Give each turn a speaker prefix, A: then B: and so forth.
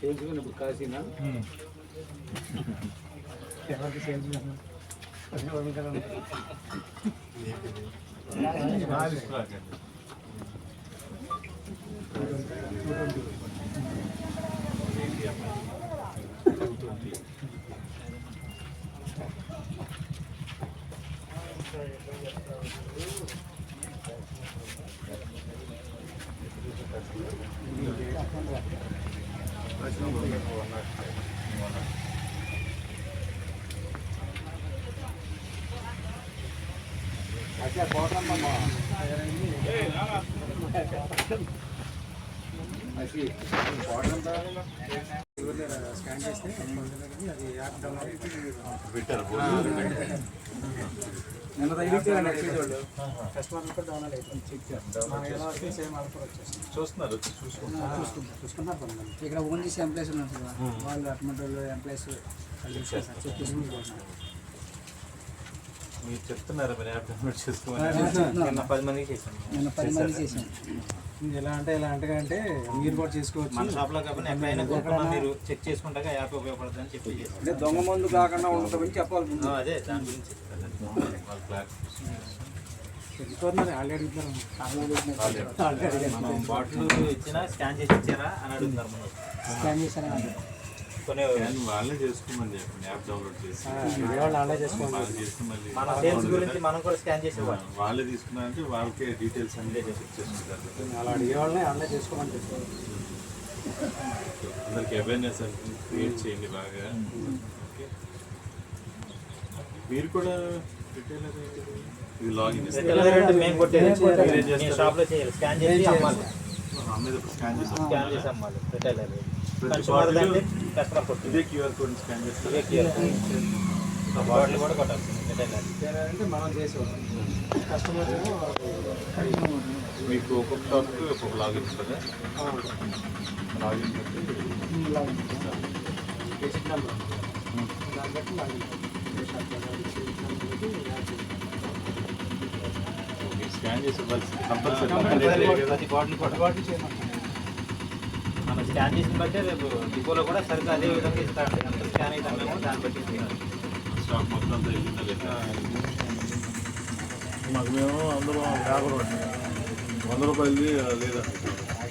A: salesmen ఇప్పుడు కాశీనా ఎవరికి salesmen अच्छा बहुत लंबा ऐसी बहुत लंबा స్కాన్ చేస్తే అది యాప్ డౌన్లోడ్ పెట్టారు నేను తగిలించాను నెక్స్ట్ వాళ్ళు కస్టమర్లకు డౌన్లోడ్ అయిపోయింది చెక్ చేస్తాను సేమ్ ఆల్ఫర్ వచ్చేస్తుంది చూస్తున్నారు చూసుకుంటున్నారు ఇక్కడ ఓన్ చేసే ఎంప్లాయీస్ ఉన్నారు కదా వాళ్ళు అటువంటి వాళ్ళు ఎంప్లాయీస్ చెక్ చేసుకుంటున్నారు
B: మీరు చెప్తున్నారు మరి యాప్ డౌన్లోడ్ చేసుకోమని నిన్న 10 మందికి చేశాను
A: ఎలా అంటే మీరు కూడా చేసుకోవచ్చు
B: మన షాప్లో కాబట్టి ఎక్కడైనా కొనుక్కున్నా మీరు చెక్ చేసుకుంటాక యాప్ ఉపయోగపడుతుందని చెప్పి
A: అంటే దొంగ మందు కాకుండా ఉండటమని చెప్పాలి
B: అదే దాని గురించి మనం బాటిల్ ఇచ్చినా స్కాన్ చేసి ఇచ్చారా అని అడుగుతున్నారు మనం
A: స్కాన్ చేశారా
B: కొన్ని
C: వాళ్ళే చేసుకోమని చెప్పండి యాప్ డౌన్లోడ్ చేసి
B: మన సేల్స్ గురించి మనం కూడా స్కాన్ చేసేవాళ్ళం
C: వాళ్ళే తీసుకున్నారంటే వాళ్ళకే డీటెయిల్స్ అన్నీ చెక్ చేసుకుంటారు
A: అలా అడిగే వాళ్ళని ఆన్లైన్ చేసుకోమని చెప్పారు
C: అందరికి అవేర్నెస్ అంటే క్రియేట్ చేయండి బాగా మీరు కూడా రిటైలర్ ఇది లాగిన్
B: మేము కొట్టేది షాప్లో చేయాలి స్కాన్ చేసి అమ్మాలి
C: స్కాన్
B: చేసి అమ్మాలి రిటైలర్
C: ఇదే క్యూఆర్ కోడ్ స్కాన్ చేస్తే
B: బాటిల్ కూడా కొట్టాలి
A: అంటే మనం చేసేవాళ్ళం కస్టమర్
C: మీకు ఒక్కొక్క షాప్కి ఒక్కొక్క లాగిన్ ఉంటుందా లాగిన్
A: బేసిక్ నెంబర్ దాన్ని బట్టి లాగిన్
C: స్కాన్ చేసి కంపల్సరీ
B: బాటిల్ చేయమంటారు మనం స్కాన్ చేసిన బట్టే రేపు డిపోలో కూడా సరిగ్గా అదే విధంగా ఇస్తారండి ఎంత స్కాన్ అవుతామేమో దాన్ని బట్టి
C: స్టాక్ మొత్తం అంతా వెళ్ళిందా లేదా
D: మాకు మేము అందులో 50 రూపాయలు 100 రూపాయలది లేదా